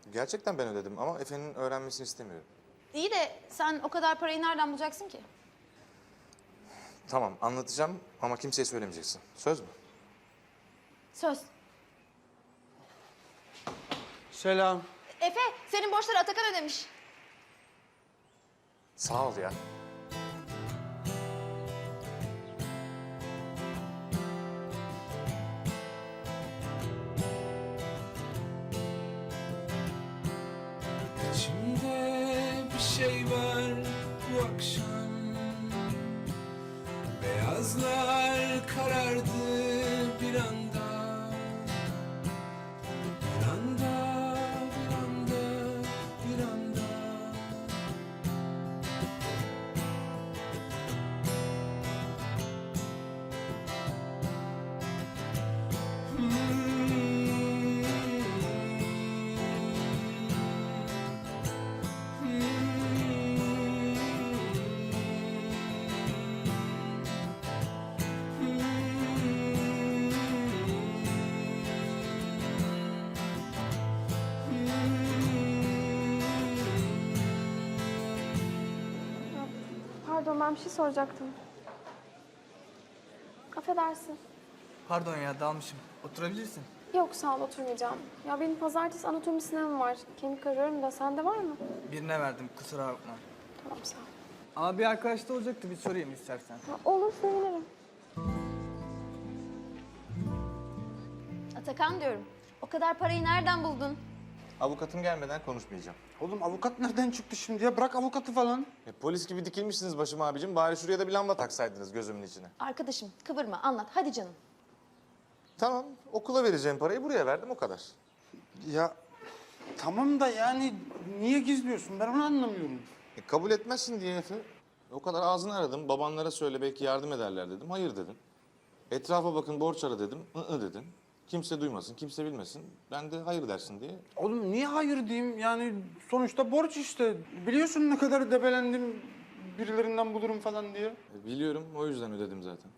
Gerçekten ben ödedim ama Efe'nin öğrenmesini istemiyorum. İyi de sen o kadar parayı nereden bulacaksın ki? Tamam, anlatacağım ama kimseye söylemeyeceksin. Söz mü? Söz. Selam. Efe, senin borçları Atakan ödemiş. Sağ ol ya. İçimde bir şey var bu akşam. Beyazlar karardı bir anda. Bir anda, bir anda, bir anda. Pardon, ben bir şey soracaktım. Affedersin. Pardon ya dalmışım. Oturabilirsin. Yok, sağ ol, oturmayacağım. Ya benim pazartesi anatomi sınavım var. Kemik arıyorum da sende var mı? Birine verdim kusura bakma. Tamam, sağ ol. Ama bir arkadaş da olacaktı bir sorayım istersen. Ha, olur, sevinirim. Atakan diyorum. O kadar parayı nereden buldun? Avukatım gelmeden konuşmayacağım. Oğlum avukat nereden çıktı şimdi ya? Bırak avukatı falan. Polis gibi dikilmişsiniz başıma abicim. Bari şuraya da bir lamba taksaydınız gözümün içine. Arkadaşım, kıvırma, anlat. Hadi canım. Tamam, okula vereceğim parayı buraya verdim o kadar. Ya tamam da yani niye gizliyorsun? Ben onu anlamıyorum. Kabul etmezsin diye Efe. O kadar ağzını aradım. Babanlara söyle belki yardım ederler dedim. Hayır dedin. Etrafa bakın borç ara dedim. Dedin. Kimse duymasın, kimse bilmesin. Ben de hayır dersin diye. Oğlum niye hayır diyeyim? Yani sonuçta borç işte. Biliyorsun ne kadar debelendim birilerinden bulurum falan diye. Biliyorum, o yüzden ödedim zaten.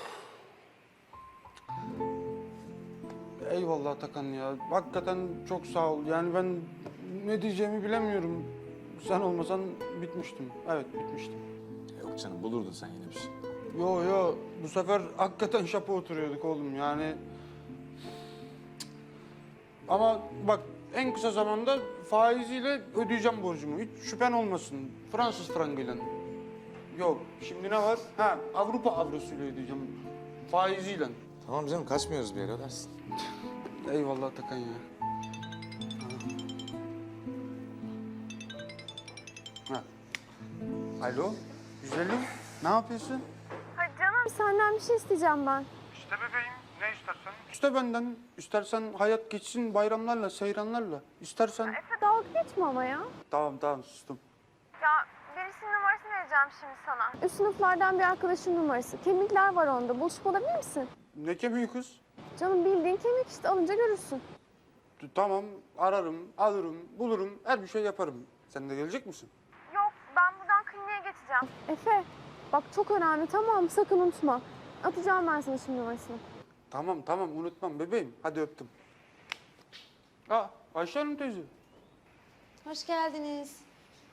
Eyvallah Atakan ya. Hakikaten çok sağ ol. Yani ben ne diyeceğimi bilemiyorum. Sen olmasan bitmiştim. Evet bitmiştim. Yok canım, bulurdun sen yine bir şey. Yo bu sefer hakikaten şapa oturuyorduk oğlum yani. Ama bak en kısa zamanda faiziyle ödeyeceğim borcumu. Hiç şüphen olmasın. Fransız frangıyla. Yok şimdi ne var? Ha Avrupa avrosuyla ödeyeceğim. Faiziyle. Tamam canım, kaçmıyoruz bir yere ödersin. Eyvallah Atakan ya. Ha. Alo güzelim ne yapıyorsun? Hadi canım. Senden bir şey isteyeceğim ben. İşte bebeğim, ne istersen? İşte benden. İstersen hayat geçsin bayramlarla, seyranlarla. İstersen... Efe, dalga geçme ama ya. Tamam, sustum. Ya birisinin numarasını vereceğim şimdi sana. Üst sınıflardan bir arkadaşın numarası. Kemikler var onda. Buluşup alabilir misin? Ne kemiği kız? Canım bildiğin kemik işte. Alınca görürsün. Tamam, ararım, alırım, bulurum, her bir şey yaparım. Sen de gelecek misin? Yok, ben buradan kliniğe geçeceğim. Efe, bak çok önemli, tamam mı? Sakın unutma. Atacağım ben sana şimdi numarasını. Tamam, unutmam bebeğim. Hadi öptüm. Aa, Ayşe Hanım teyze. Hoş geldiniz.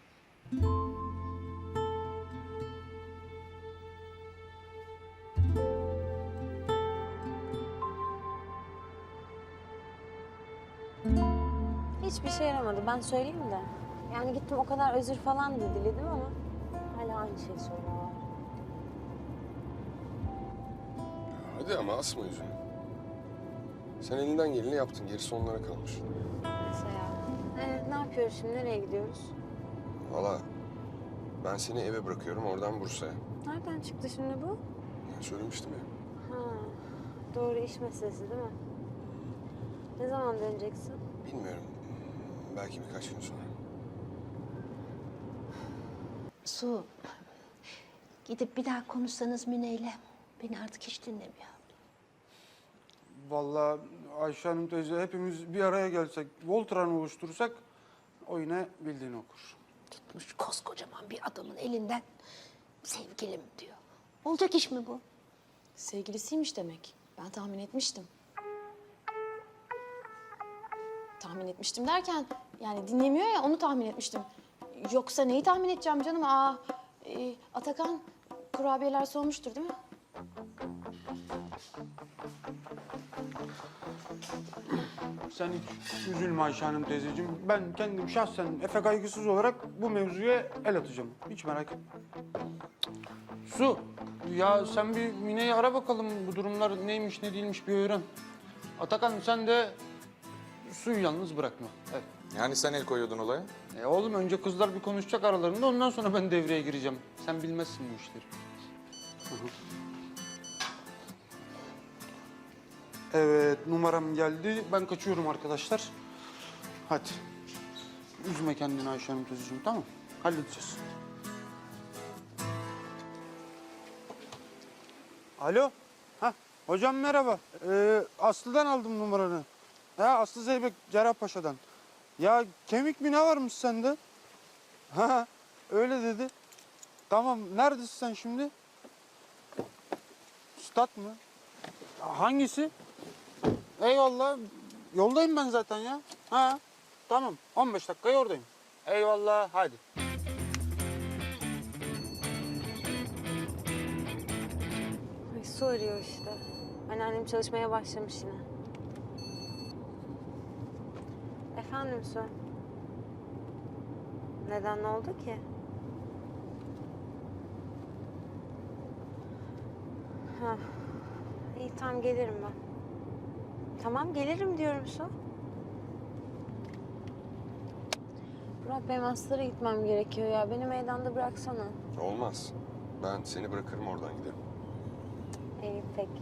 Hiçbir şey yaramadı. Ben söyleyeyim de. Yani gittim o kadar özür falan da diledim ama hala aynı şeyi söylüyorlar. Hadi ama asma yüzünü. Sen elinden geleni yaptın. Gerisi onlara kalmış. Neyse ya. Ne yapıyoruz şimdi? Nereye gidiyoruz? Valla ben seni eve bırakıyorum. Oradan Bursa'ya. Nereden çıktı şimdi bu? Ya söylemiştim ya. Ha, doğru iş meselesi değil mi? Ne zaman döneceksin? Bilmiyorum. Belki birkaç gün sonra. Su, gidip bir daha konuşsanız Mine'yle. Beni artık hiç dinlemiyor. Vallahi Ayşe Hanım teyze hepimiz bir araya gelsek, Voltran oluştursak o yine bildiğini okur. Tutmuş koskocaman bir adamın elinden sevgilim diyor. Olacak iş mi bu? Sevgilisiymiş demek. Ben tahmin etmiştim. Tahmin etmiştim derken Yani dinlemiyor ya, onu tahmin etmiştim. Yoksa neyi tahmin edeceğim canım? Atakan kurabiyeler soğumuştur değil mi? Sen hiç üzülme Ayşe Hanım teyzeciğim. Ben kendim şahsen Efe kaygısız olarak bu mevzuya el atacağım. Hiç merak etme. Su, ya sen bir Mine'yi ara bakalım. Bu durumlar neymiş ne değilmiş bir öğren. Atakan sen de Su'yu yalnız bırakma. Evet. Yani sen el koyuyordun olaya. Oğlum önce kızlar bir konuşacak aralarında, ondan sonra ben devreye gireceğim. Sen bilmezsin bu işleri. Evet, numaram geldi. Ben kaçıyorum arkadaşlar. Hadi. Üzme kendini Ayşe Hanım teyzeciğim, tamam mı? Halledeceğiz. Alo. Ha, hocam merhaba. Aslı'dan aldım numaranı. Ha, Aslı Zeybek Cerrahpaşa'dan. Ya kemik mi ne varmış sende? Ha, öyle dedi. Tamam, neredesin sen şimdi? Stat mı? Hangisi? Eyvallah. Yoldayım ben zaten ya. Ha, tamam. 15 dakikaya oradayım. Eyvallah, hadi. Ay, Su arıyor işte. Anneannem çalışmaya başlamış yine. Efendim Su? Neden, ne oldu ki? Ha. İyi, tamam gelirim ben. Tamam gelirim diyorum Su. Burak, benim hastalara gitmem gerekiyor ya. Beni meydanda bıraksana. Olmaz. Ben seni bırakırım, oradan giderim. İyi peki.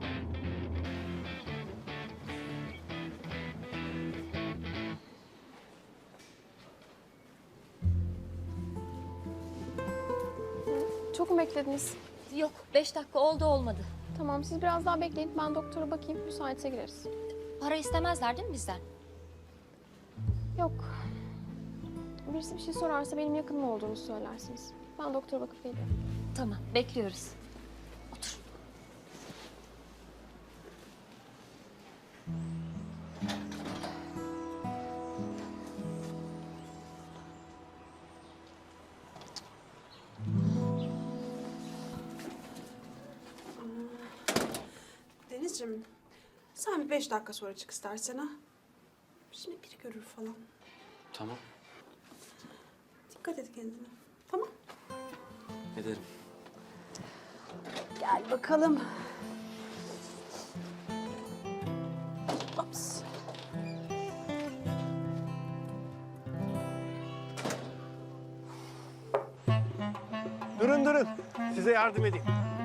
Çok mu beklediniz? Yok 5 dakika oldu olmadı. Tamam, siz biraz daha bekleyin. Ben doktora bakayım. Müsaitse gireriz. Para istemezler değil mi bizden? Yok. Birisi bir şey sorarsa benim yakınım olduğunu söylersiniz. Ben doktora bakıp geliyorum. Tamam bekliyoruz. Otur. Denizciğim, sen bir 5 dakika sonra çık istersen ha. Şimdi biri görür falan. Tamam, Dikkat et kendine. Tamam. ederim. Gel bakalım. Ops. Durun. Size yardım edeyim.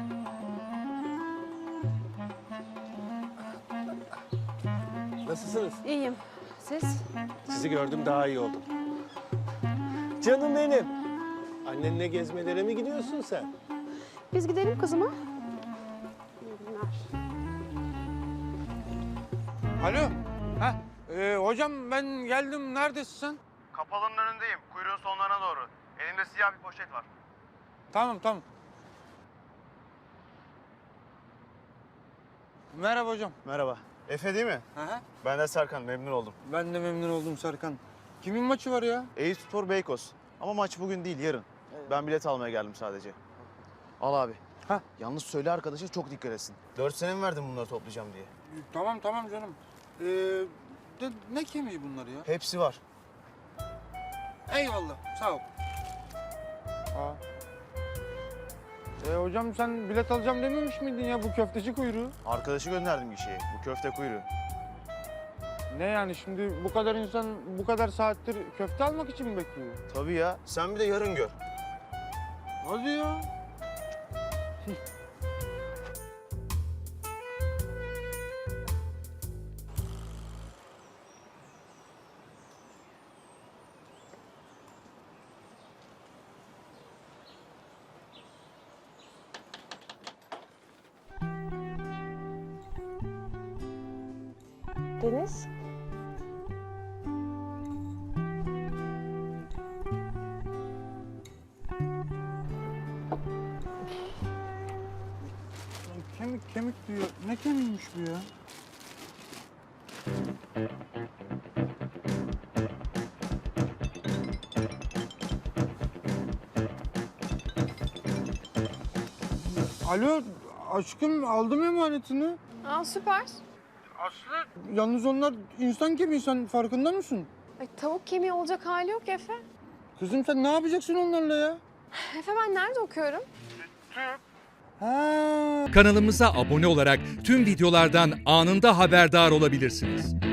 Nasılsınız? İyiyim. Siz? Sizi gördüm daha iyi oldum. Canım benim. Annenle gezmelere mi gidiyorsun sen? Biz gidelim kızıma. Alo. Ha, hocam ben geldim. Neredesin sen? Kapalının önündeyim. Kuyruğun sonlarına doğru. Elimde siyah bir poşet var. Tamam. Merhaba hocam. Merhaba. Efe değil mi? Hı. Ben de Serkan. Memnun oldum. Ben de memnun oldum Serkan. Kimin maçı var ya? Eyüpspor Beykoz. Ama maç bugün değil, yarın. Ben bilet almaya geldim sadece. Al abi. Ha. Yalnız söyle arkadaşa çok dikkat etsin. 4 sene mi verdin bunları toplayacağım diye? Tamam canım. Ne kemiği bunlar ya? Hepsi var. Eyvallah, sağ ol. Hocam sen bilet alacağım dememiş miydin ya, bu köfteci kuyruğu? Arkadaşı gönderdim gişeye. Bu köfte kuyruğu. Ne yani şimdi bu kadar insan bu kadar saattir köfte almak için mi bekliyor? Tabii ya. Sen bir de yarın gör. Hadi ya. Deniz? Kemik diyor. Ne kemiğiymiş bu ya? Alo aşkım aldım emanetini. Aa süper. Yalnız onlar insan gibi, sen farkında mısın? Ay, tavuk kemiği olacak hali yok Efe. Kızım sen ne yapacaksın onlarla ya? Efe ben nerede okuyorum? Ha. Kanalımıza abone olarak tüm videolardan anında haberdar olabilirsiniz.